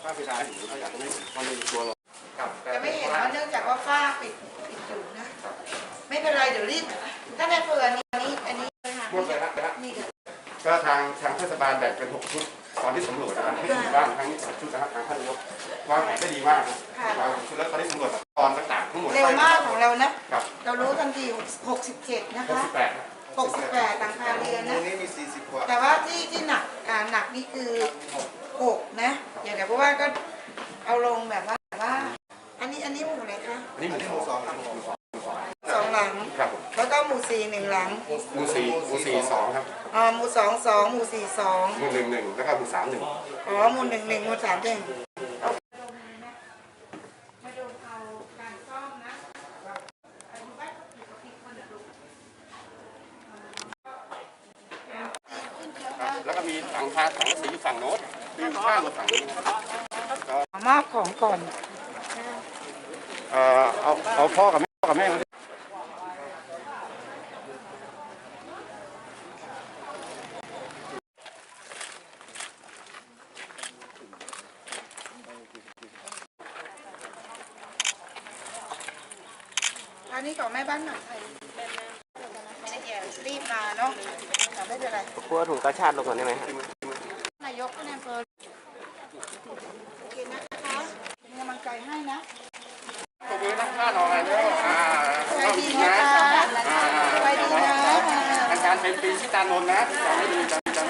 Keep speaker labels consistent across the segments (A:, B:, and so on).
A: ฝ้าเพดานอยู่เขาอยากจะไม่มันเลยตัวเรา
B: จะไม่เห็นว่าเนื่องจากว่าฝ้าปิดอยู่นะไม่เป็นไรเดี๋ยวรีบถ้าในเผื่ออันนี้
A: หมดเลยครับก็ทางเทศบาลแบ่งเป็น6 ชุดตอนที่สำรวจนะครับให้บ้านทั้ง2 ชุดนะครับทางท่านนายกวางแผนได้ดีมากนะชุดแล้วตอนนี้สำรวจตอนต่างๆทั้งหมด
B: เร็วมากของเรานะเรารู้ทันที67นะคะ68หลังคาเรือนนะแต่ว่าที่หนักนี่คือ6นะอย่างเดี๋ยวเพราะว่าก็เอาลงแบบว่าอันนี้หมู่อะไรคะ
A: อันนี้หมู่2
B: 2 หลังแล้วก็หมู่4 1 หลัง
A: หมู่4 2ครับ
B: หมู่2 2หมู่4 2
A: หมู่1 1แล้วก็หมู่3 1
B: หมู่1 1หมู่3 1
A: แล้วก็มีสังกะสีฝั่งโน้นมีข้างฝั่งนี้
B: มอบของก่อน
A: เอาพ่อกับแม่มา
B: อันนี้ของแม่บ้านหนักไทยรีบมาเนาะไม่เป็นไร
C: กลัวถุงกระชากลงก่อนได้ไหม
B: นายกก็แนมเปิดโอเคนะคะเป็นกำลังใจให้นะ
A: ตรงนี้นักข่าวหน่อยด้วย
B: สวัสดีนะคะสวัสดีนะ
A: อาจารย์เป็นปีชิตานนท์นะจำไม่ดี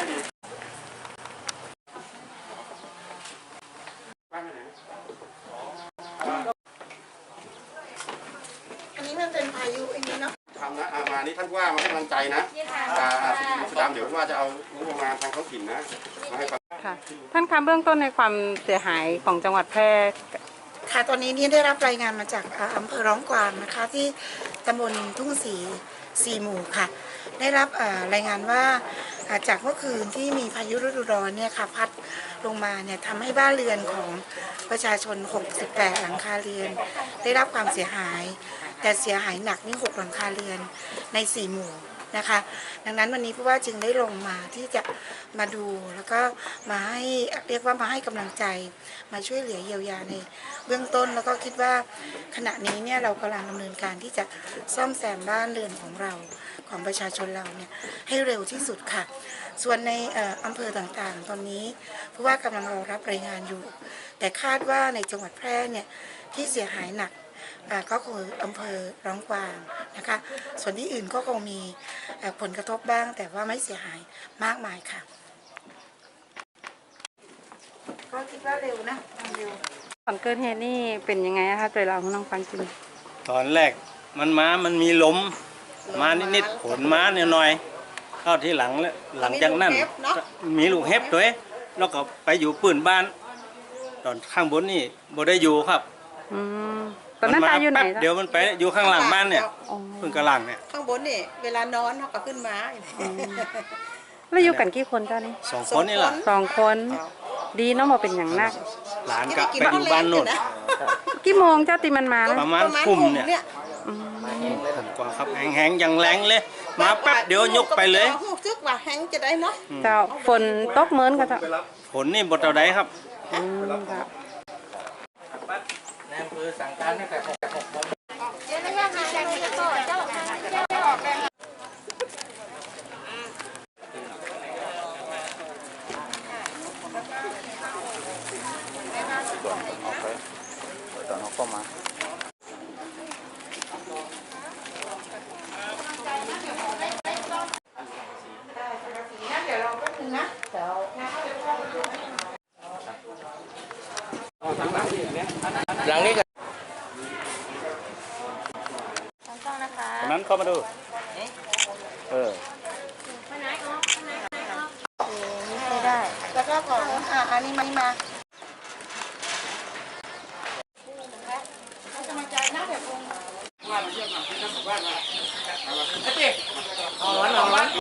B: อันนี้มันเป็นพายุอันนี้เนาะ
A: ทำนะมานี่ท่านว่ามาให้กำลังใจนะสุดาเดี๋ยวว่าจะเอางบประมาณทางท้องถิ่นนะมาให้
D: ค่ะท่านคะเบื้องต้นในความเสียหายของจังหวัดแพร่
B: ค่ะตอนนี้นี่ได้รับรายงานมาจากอำเภอร้องกวางนะคะที่ตำบลทุ่ง4 หมู่ค่ะได้รับรายงานว่าจากเมื่อคืนที่มีพายุฤดูร้อนเนี่ยค่ะพัดลงมาเนี่ยทำให้บ้านเรือนของประชาชน68หลังคาเรือนได้รับความเสียหายแต่เสียหายหนักนี่6หลังคาเรือนใน4 หมู่นะคะดังนั้นวันนี้ผู้ว่าจึงได้ลงมาที่จะมาดูแล้วก็มาให้เรียกว่ามาให้กำลังใจมาช่วยเหลือเยียวยาในเบื้องต้นแล้วก็คิดว่าขณะนี้เนี่ยเรากำลังดำเนินการที่จะซ่อมแซมบ้านเรือนของเราของประชาชนเราเนี่ยให้เร็วที่สุดค่ะส่วนในอำเภอต่างๆตอนนี้ผู้ว่ากำลังรอรับรายงานอยู่แต่คาดว่าในจังหวัดแพร่เนี่ยที่เสียหายหนักก็คืออำเภอร้องกวางนะคะส่วนที่อื่นก็คงมีผลกระทบบ้างแต่ว่าไม่เสียหายมากมายค่ะก็คิดว่าเร็วนะเร็ว
D: ก่อนเกิดเหตุนี่เป็นยังไงคะตัวเราน้องฟังจริง
C: ตอนแรกมันมีลมมานิดๆฝนมาหน่อยๆเข้าที่หลังจากนั้นมีลูกเห็บด้วยแล้วก็ไปอยู่ปืนบ้านตอนข้างบนนี่บ่ได้อยู่ครับ
D: ตอนนั้นตายอยู่ไหน
C: เดี๋ยวมันไปอยู่ข้างหลังบ้านเนี่ยปืนกระหลังเนี่ย
B: ข้างบนนี่เวลานอนเขาก็ขึ้นมา
D: แล้วอยู่กันกี่คนเจ้านี่
C: 2 คนนี่แหละ
D: 2 คนดีเนาะมาเป็นอย่างนัก
C: หลานก็ไปอยู่บ้านโน่น
D: กี่โมงเจ้าตีมันมา
C: ประมาณทุ่มเนี่ยผมกว่าครับแห้งอย่างแรงเลยมาแป๊บเดี๋ยวยกไปเลย
B: ซึกว่าแห้งจะได้เนาะ
D: เจ้าฝนตกเหมือนกันเจ้า
C: ฝนนี่บดเท่าใดครับ
A: แนมคือสั่งการให้แต่6 โมง
C: ตอนเขาเข้ามา
B: เดี๋ยวเราก็ถึงนะเดี๋ยว
C: หลังนี้กันนั้นเข้ามาดู
B: ไม่ได้แล้วก็ของอันนี้มาเขาจะมาจ่ายหน้าแบบงว่าเราเยี่ยมมาที่ท่านบอกว่าร้อน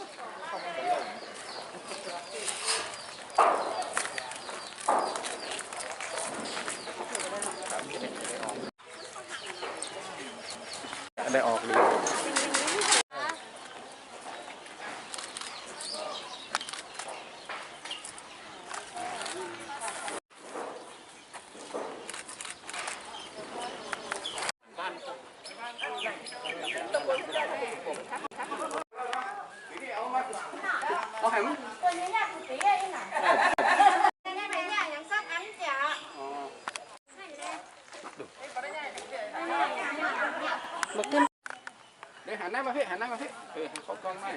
C: ได้ออกเลย
A: หัน
B: ตัวนี้ยากสุดตีไอ้หนังนี่เป็นยากอย่างสักอันจ้ะ
D: บอกขึ้น
A: เดี๋ยวหันหน้ามาพี่หันหน้ามาพี่เขากล้องไม่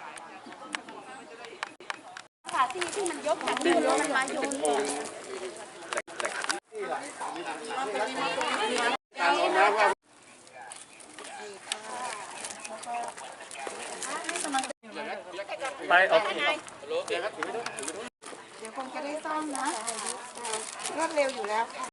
B: ค่ะที่มันยกจากมือแล้วมันมาโยนเนี่ย
A: การโอนน้ำว่า
C: ไปออก
B: เดี๋ยวคงจะได้ซ่อมนะรวดเร็วอยู่แล้วค่ะ